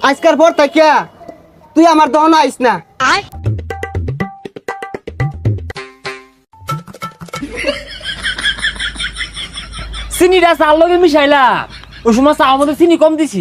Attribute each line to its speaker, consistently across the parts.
Speaker 1: আজকের পর থেকে তুই আমার দহন আইস না।
Speaker 2: চিনিটা চার লগে মিশাইলাম, ওই সময় চা মধ্যে চিনি কম দিছি।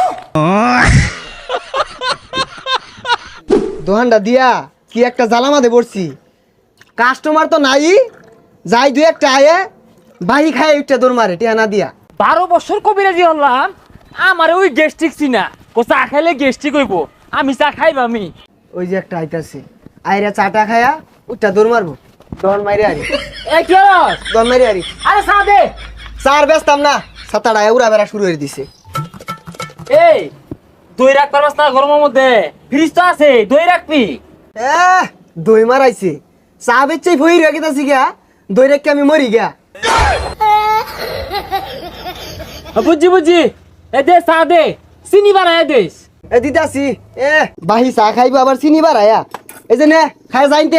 Speaker 1: দোহানটা দিয়া কি একটা জ্বালামাতে পড়ছি, কাস্টমার তো নাই, যাই দুই একটা আয়ে বাহি খায় একটা দৌড় মারে টিয়া না দিয়া।
Speaker 2: 12 বছর কবিরাজি হলাম, আমার ওই গ্যাস্ট্রিক চিনা, ও চা খাইলে গ্যাস্ট্রিক হইব, আমি চা খাইব আমি।
Speaker 1: ওই যে একটা আইতাছে, আইরা চাটা খায়া উঠটা দৌড় মারবো, দৌড় মারি আরি,
Speaker 2: এই কি হলো?
Speaker 1: দৌড় মারি আরি।
Speaker 2: আরে চা দে।
Speaker 1: চার ব্যস্তাম না, সাতাটা উড়া বেড়া শুরু হয়ে দিছে।
Speaker 2: এই দই রাখ পারবাস না গরমের মধ্যে? ফ্রিজ তো আছে, দই রাখবি।
Speaker 1: দই মারাইছে, চা বেচে ভই রেখে তাছি গা, দই রেখে আমি মরি গা।
Speaker 2: বুঝছি বুঝছি, এ দে চা দে, চিনি বানায় দেস।
Speaker 1: এ দিতাছি, বাহি চা খাইবো আবার চিনি বাড়ায়া, এই যে নে খায় যাইতে।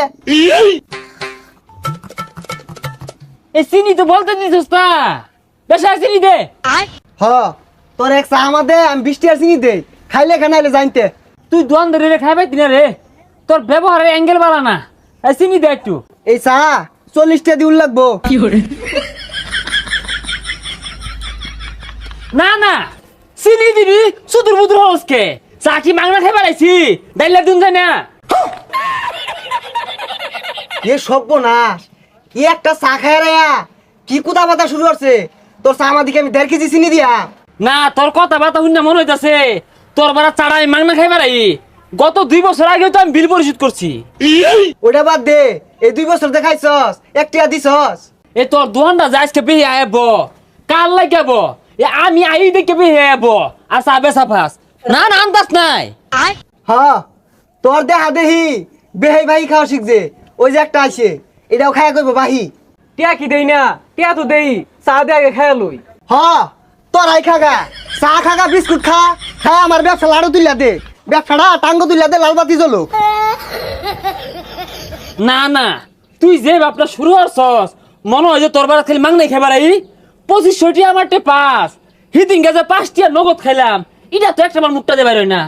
Speaker 2: এই চিনি তো বলতে দিছিস না, বেশি আর চিনি দে।
Speaker 1: হ তোর এক চা আমাদের আমি 20 টাকা চিনি দেই, খাইলে খানাইলে জানতে।
Speaker 2: তুই দোয়ান ধরে রে খাইবাই দিনা রে, তোর ব্যবহারের অ্যাঙ্গেল বাড়া না। এই চিনি দে একটু।
Speaker 1: এই চা 40 টাকা দিউল লাগবো।
Speaker 2: না না চিনি দিবি, সুদূর বুদুর হসকে চা কি মাংনা খাই বাড়াইছি, ডাইলা দুন যায় না।
Speaker 1: এ সর্বনাশ, ই একটা চা খায় রায়া কি কুদা পাতা শুরু করছে। তোর চা আমার দিকে আমি 1.5 কেজি চিনি দিয়া।
Speaker 2: না তোর কথা বার্তা শুনে মনে হইতাছে তোর বারা চাড়া আমি মাংনা খাই বাড়াই। গত 2 বছর আগেও তো আমি বিল পরিশোধ করছি।
Speaker 1: ওটা বাদ দে, এই 2 বছর দেখাইছস, 1 টাকা দিছস।
Speaker 2: এ তোর দোহানটা যাইসকে বেহে আইব, কাল লাগাব, এ আমি আই দেখে বেহে আইব, আর চা বেচা ফাস। না না আন্দাজ নাই।
Speaker 1: হ তোর দেহা দেহি বেহাই বাহি খাওয়া শিখছে, ওই যে একটা আছে এটাও খায়া কইব বাহি।
Speaker 3: টিয়া কি দেই না, টিয়া তো দেই, চা দে আগে খাইয়া লই।
Speaker 1: হ তোরাই খাগা, চা খাগা, বিস্কুট খা, খায় আমার ব্যবসা লাড়ু তুলিয়া দে, ব্যবসাটা টাঙ্গ তুলিয়া দে, লালবাতি জ্বলো।
Speaker 2: না না তুই যে বাপটা শুরু করছস, মনে হয় যে তোর বারা খালি মাংনাই খাই বাড়াই। 2500 আমার টে পাস, হিদিন গাছে 5 টিয়া নগদ খাইলাম, এটা তো একটা আমার মুখটা দে বাইর হয় না।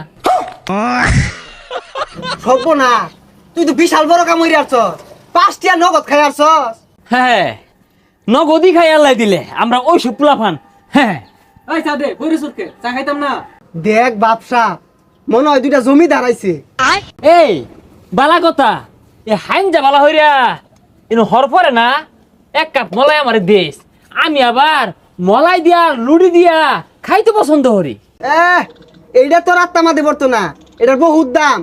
Speaker 1: সর্বনাশ, তুই তো বিশাল বড় কাম হইরে আসছস, 5 টাকা নগদ খাই আসছস।
Speaker 2: হ্যাঁ নগদই খাই আল্লাহ দিলে, আমরা ওই সব পোলাফান। হ্যাঁ
Speaker 3: এই চা দে, বইরে সুরকে চা খাইতাম না।
Speaker 1: দেখ বাপসা, মনে হয় 2টা জমি দাঁড়াইছে।
Speaker 2: এই বালা কথা, এ হাইনজা বালা হইরা ইনো হর পরে না, 1 কাপ মলাই আমার দেশ, আমি আবার মলাই দিয়া লুড়ি দিয়া খাইতে পছন্দ করি।
Speaker 1: এইটা তোর আত্মা মাদে পড়তো না, এটার বহুত দাম।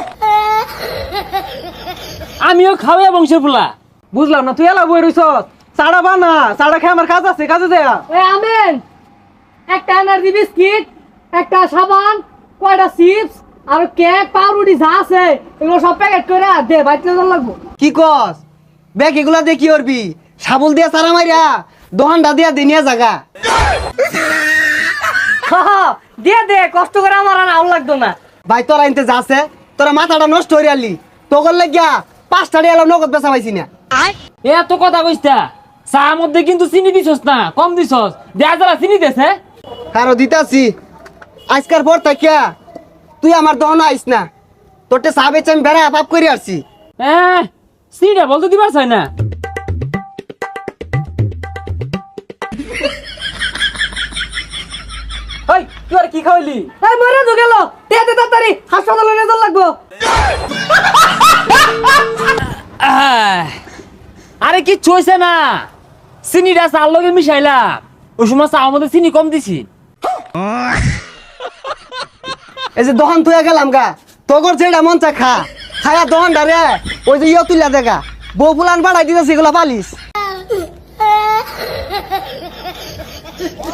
Speaker 2: আমিও খাওয়া বংশের পোলা।
Speaker 3: বুঝলাম না, তুই এলা বই রইছ, চাড়া বানা, চাড়া খেয়ে আমার কাজ আছে, কাজে দেয়া।
Speaker 4: এই আমেন, একটা এনার্জি বিস্কিট, একটা সাবান, কয়টা চিপস আর কেক, পাউরুটি যা আছে এগুলো সব প্যাকেট করে দে, বাইতে লাগবো।
Speaker 1: কি কস ব্যাগ এগুলা দিয়ে কি করবি? সাবল দিয়া সারা মাইরা দোহানটা দিয়া দিনিয়া জাগা।
Speaker 4: দে দে, কষ্ট করে আমার আর আউল লাগতো না।
Speaker 1: ভাই তোরা আনতে যাচ্ছে, তোরা মাথাটা নষ্ট হয়ে আলি, তোর লাগিয়া 5 টাকা এলাম নগদ বেচা পাইছি না।
Speaker 2: এত কথা কইস্তা, চা মধ্যে কিন্তু চিনি দিছস না, কম দিছস, দেয়া যারা চিনি দেছে।
Speaker 1: কারো দিতাছি, আজকার পর থাকিয়া তুই আমার দহন আইস না, তোরটে চা বেচে আমি বেড়া পাপ করে আসছি।
Speaker 2: চিনিটা বলতে দিবার চাই না।
Speaker 3: এই তুই আর কি খাওয়াইলি?
Speaker 4: এই মরে তো গেল, দে দে তাড়াতাড়ি, হাসপাতালে নিয়ে যাওয়া লাগবো।
Speaker 2: আরে কি চইছে না, চিনিটা চার লগে মিশাইলাম, ওই সময় চা মধ্যে চিনি কম দিছি।
Speaker 1: এই যে দহন থুয়া গেলাম গা, তোর যেটা মন চা খা, খায়া দহনটা রে ওই যে তুলিয়া দেখা, বউ ফুলান বাড়াই দিতেছি এগুলা পালিস।